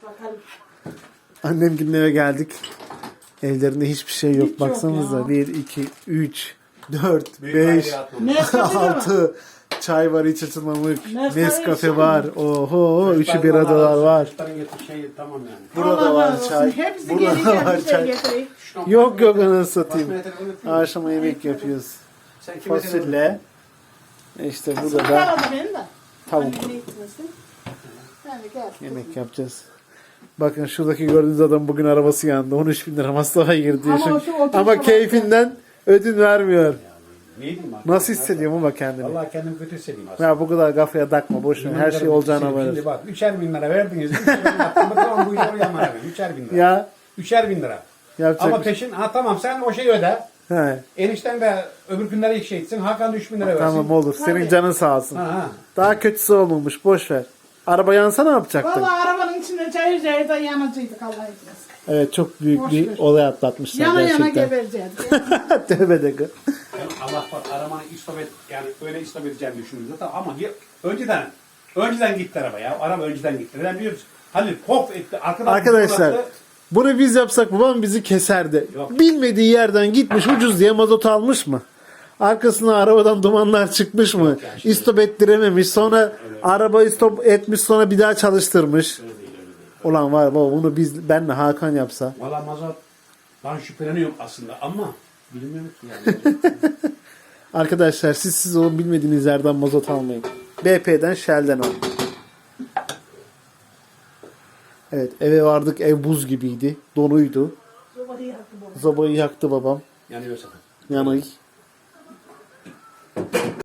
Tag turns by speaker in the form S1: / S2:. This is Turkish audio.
S1: Bakalım.
S2: Annemgilin eve geldik. Evlerinde hiçbir şey yok.
S1: Hiç yok
S2: Baksanıza.
S1: ya.
S2: 1, 2, 3, 4,
S3: Büyük
S2: 5,
S3: aile atmamış.
S1: Nescafe var.
S2: 6. Çay var, iç ısıtmalık.
S1: Nescafe
S2: Nescafe
S1: içiyor
S2: var. Oho, 3'ü bir adalar var.
S3: Çocukların getir şey tamam yani.
S2: Burada
S1: Allah
S2: var
S1: razı olsun.
S2: çay.
S1: Hepsi
S2: Burada
S1: gelecek
S2: var
S1: bir şey
S2: çay.
S1: getireyim.
S2: Yok anasını satayım.
S3: Basmaya telefon eteyim.
S2: Akşama yemek yapıyoruz.
S3: Sen kime telefon
S2: Fasulye. İşte burada da
S1: Kaladı benim de.
S2: tavuk.
S1: Annemle gitmesin. Ben de gel.
S2: Yemek yapacağız. Bakın şuradaki gördüğünüz adam bugün arabası yandı. 13 bin lira masrafa girdi.
S1: Ama
S2: Şu-
S1: o şu oturuş
S2: Ama
S1: olarak
S2: keyfinden ödün vermiyor.
S3: Neydim ben?
S2: Nasıl hissediyorum ama kendini?
S3: Vallahi kendimi kötü hissediyorum aslında.
S2: Ya bu kadar kafaya takma boş ver. Her şey olacağına varır.
S3: Şimdi bak 3'er bin lira verdiniz. 3'er bin lira. Tamam bu işe oraya 3'er bin lira.
S2: Ya
S3: 3'er bin lira.
S2: yapacak
S3: Ama
S2: bir şey.
S3: peşin tamam sen o şeyi öde.
S2: He,
S3: Enişten de öbür günlere ilk şey etsin. Hakan da 3 bin lira versin.
S2: tamam olur. Senin
S1: Tabii.
S2: canın sağ olsun.
S3: Ha.
S2: Daha kötüsü olmamış. Boş ver. Araba yansa ne yapacaktın?
S1: Valla arabanın içinde cayır cayır da yanıcıydık Allah etmesin.
S2: Evet çok büyük
S1: Boş
S2: bir
S1: ver.
S2: olay atlatmışlar
S1: Yana yana
S2: gerçekten.
S1: gebereceğiz.
S2: Tövbe de.
S3: Yani Allah var arabanı istop et yani öyle istop edeceğini düşündüm zaten ama önceden gitti araba ya. Araba önceden gitti. Neden biliyoruz? Halil pop etti. Arkadan
S2: Arkadaşlar
S3: fırlattı.
S2: bunu biz yapsak babam bizi keserdi.
S3: Yok.
S2: Bilmediği yerden gitmiş ucuz diye mazot almış mı? Arkasına arabadan dumanlar çıkmış mı?
S3: yani şimdi-
S2: İstop ettirememiş. Sonra arabayı stop etmiş sonra bir daha çalıştırmış.
S3: Öyle değil.
S2: Ulan var baba bunu benle Hakan yapsa.
S3: Valla mazot ben şüpheleniyorum aslında ama bilmiyorum ki yani.
S2: Arkadaşlar siz o bilmediğiniz yerden mazot almayın. BP'den Shell'den alın. Evet eve vardık ev buz gibiydi. Donuydu.
S1: Sobayı yaktı bu.
S2: Zobayı yaktı babam.
S3: Yanıyorsa.
S2: Yanık.